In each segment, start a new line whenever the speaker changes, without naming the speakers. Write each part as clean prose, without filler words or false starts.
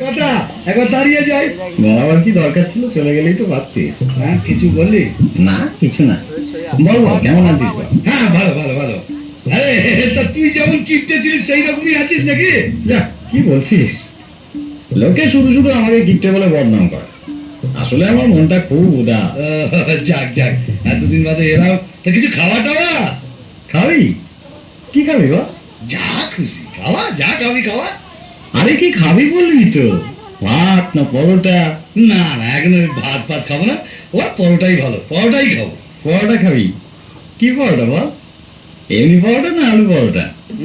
কথা একবার দাঁড়িয়ে যাই।
আবার কি দরকার ছিল, চলে গেলেই তো ভাবছিস।
হ্যাঁ কিছু বললি?
না কিছু না, বল বল কেমন আছিস বল।
হ্যাঁ ভালো ভালো ভালো। আরে তা তুই যেমন কিপটে ছিলিস সেই রকমই আছিস নাকি?
যা কি বলছিস, লোকে শুধু শুধু আমাকে কিপটে বলে বদনাম করে, আসলে আমার মনটা খুব উদাস।
যাক যাক, এতদিন বাদে এলাম, তা কিছু খাওয়া টাওয়া?
খাবি? কি খাবি বল?
যা খুশি খাওয়া, যা খাবি খাওয়া।
আরে কি খাবি বলবি তো, ভাত না পরোটা?
না না, এখন আমি ভাত ভাত খাবো না, ও পরোটাই ভালো, পরোটাই খাবো।
পরোটা খাবি? কি পরোটা বল, এমনি পরোটা না আলু পরোটা?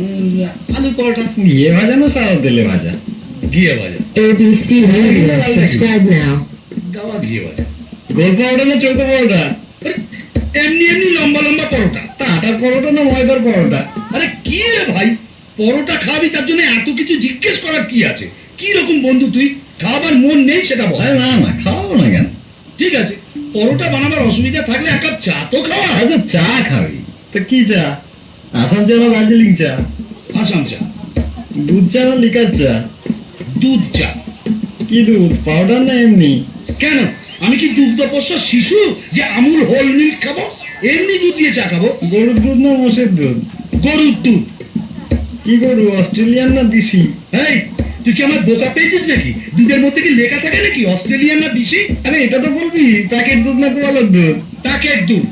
আলু পরোটা।
ঘিয়ে ভাজা না সাদা তেলে ভাজা?
ঘিয়ে ভাজা।
ABC Radio. Subscribe now.
গাওয়া ঘিয়ে ভাজা।
গোল পরোটা না চৌকো পরোটা?
আরে, এমনি এমনি লম্বা লম্বা পরোটা।
তা আটার পরোটা না ময়দার পরোটা?
আরে কি রে ভাই, পরোটা খাবি তার জন্য এত কিছু জিজ্ঞেস করার কি আছে? কি রকম বন্ধু তুই, খাবার মন নেই সেটা বল।
আরে না না, খাওয়াবো না কেন?
ঠিক আছে, পরোটা বানাবার অসুবিধা থাকলে এক কাপ চা তো খাওয়া।
আচ্ছা চা খাবি তো কি চা, আসাম চা না দার্জিলিং চা?
আসাম চা।
দুধ চা না লিকার চা?
দুধ চা।
কি দুধ, পাউডার না এমনি?
কেন, আমি কি দুগ্ধপোষ্য শিশু যে আমুল হোল মিল্ক খাবো? এমনি দুধ দিয়ে চা খাবো।
গরুর দুধ না মোষের দুধ?
গরুর দুধ।
কি গরু, অস্ট্রেলিয়ান না দেশি?
এই তুই কি আমার বোকা পেয়েছিস নাকি? দুধের মধ্যে কি লেখা থাকে নাকি অস্ট্রেলিয়ান না দেশি?
আরে এটা তো বলবি প্যাকেট দুধ না গোয়ালের দুধ?
প্যাকেট দুধ।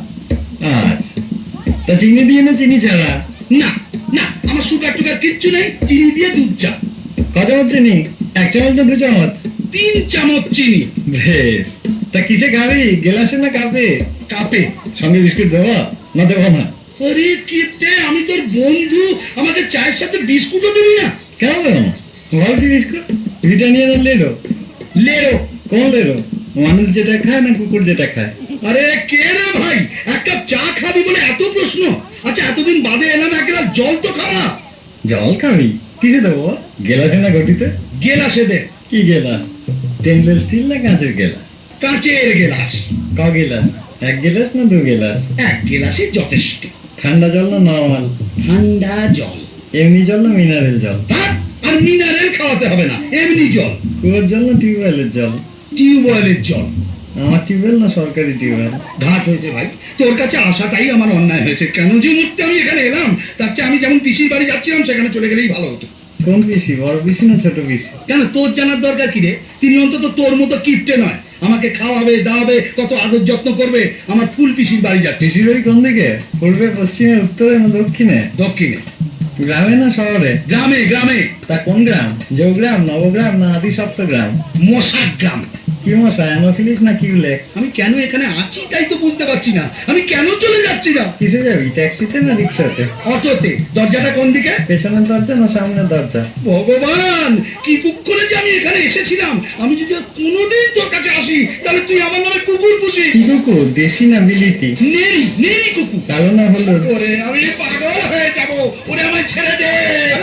আচ্ছা, তা চিনি দিয়ে না চিনি ছাড়া?
না না, আমার সুগার টুগার কিচ্ছু নেই, চিনি দিয়ে দুধ চা।
ক চামচ চিনি, 1 চামচ না 2 চামচ?
3 চামচ চিনি।
বেশ, তা কিসে খাবি, গ্লাসে না কাপে?
কাপে।
সঙ্গে বিস্কুট দেবো না দেবো না?
আরে কিপটে, আমি তোর বন্ধু, আমাকে চায়ের সাথে বিস্কুটও দিবি না?
কেন দেবো না, বল কি বিস্কুট, ব্রিটানিয়া না লেরো?
লেরো।
কোন লেরো, মানুষ যেটা খায় না কুকুর যেটা খায়?
আরে কে রে ভাই, এক কাপ চা খাবি বলে এত প্রশ্ন? আচ্ছা এতদিন বাদে এলাম, এক গ্লাস জল তো খাওয়া।
জল খাবি, কিসে দেবো, গেলাসে না ঘটিতে?
গেলাসে দে।
কি গেলাস, স্টেনলেস স্টিল না কাঁচের গেলাস?
কাঁচের গেলাস।
ক গেলাস, 1 গেলাস না 2 গেলাস?
এক গেলাসে যথেষ্ট।
ঠান্ডা জল না নরমাল?
ঠান্ডা জল।
এমনি জল না মিনারেল জল?
তা আর মিনারেল খাওয়াতে হবে না, এমনি জল।
কুয়োর জল না টিউবওয়েলের জল?
টিউবওয়েলের জল।
আমার টিউবওয়েল না সরকারি টিউবওয়েল?
ঘাট হয়েছে ভাই, তোর কাছে আসাটাই আমার অন্যায় হয়েছে। কেন যে মুহূর্তে আমি এখানে এলাম, তার চেয়ে আমি যেমন পিসির বাড়ি যাচ্ছিলাম সেখানে চলে গেলেই ভালো হতো।
কোন পিসি, বড় পিসি না ছোট পিসি?
কেন, তোর জানার দরকার কি রে? তিনি অন্তত তোর মতো কিপটে নয়, আমাকে খাওয়াবে দাওয়াবে, কত আদর যত্ন করবে। আমার ফুল পিসির বাড়ি যাচ্ছি।
পিসির বাড়ি কোন দিকে, পূর্বে পশ্চিমে উত্তরে না দক্ষিণে?
দক্ষিণে।
গ্রামে না শহরে?
গ্রামে গ্রামে।
তা কোন গ্রাম, জৌগ্রাম নবগ্রাম না আদি সপ্তগ্রাম?
মশার গ্রাম।
কি মশা, অ্যানোফিলিস না কিউলেক্স?
আমি কেন এখানে আছি তাই তো বুঝতে পারছি না, আমি কেন চলে যাচ্ছি না।
কিসে যাবি, ট্যাক্সিতে না রিক্সাতে?
অটোতে। দরজাটা কোন দিকে?
পেছনের দরজা না সামনের দরজা?
ভগবান, কি কুকুরে যে আমি এখানে এসেছিলাম। আমি যদি আর কোনোদিন তোর কাছে আসি তাহলে তুই আমার নামে কুকুর পুষি।
কি কুকুর, দেশি না বিলিতি?
নেই নেই কুকুর।
কালো না হলুদ?
ওরে আমি পাগল হয়ে যাবো, ওরে আমায় ছেড়ে দে।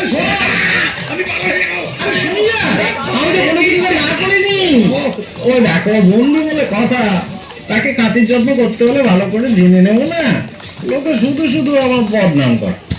আমি পাগল হয়ে যাবো।
আমি তো কোনো কিছু না করিনি। ও দেখো বন্ধু বলে কথা, তাকে খাতির যত্ন করতে হলে ভালো করে জেনে নেবো না, লোকে শুধু শুধু আমার বদনাম করে।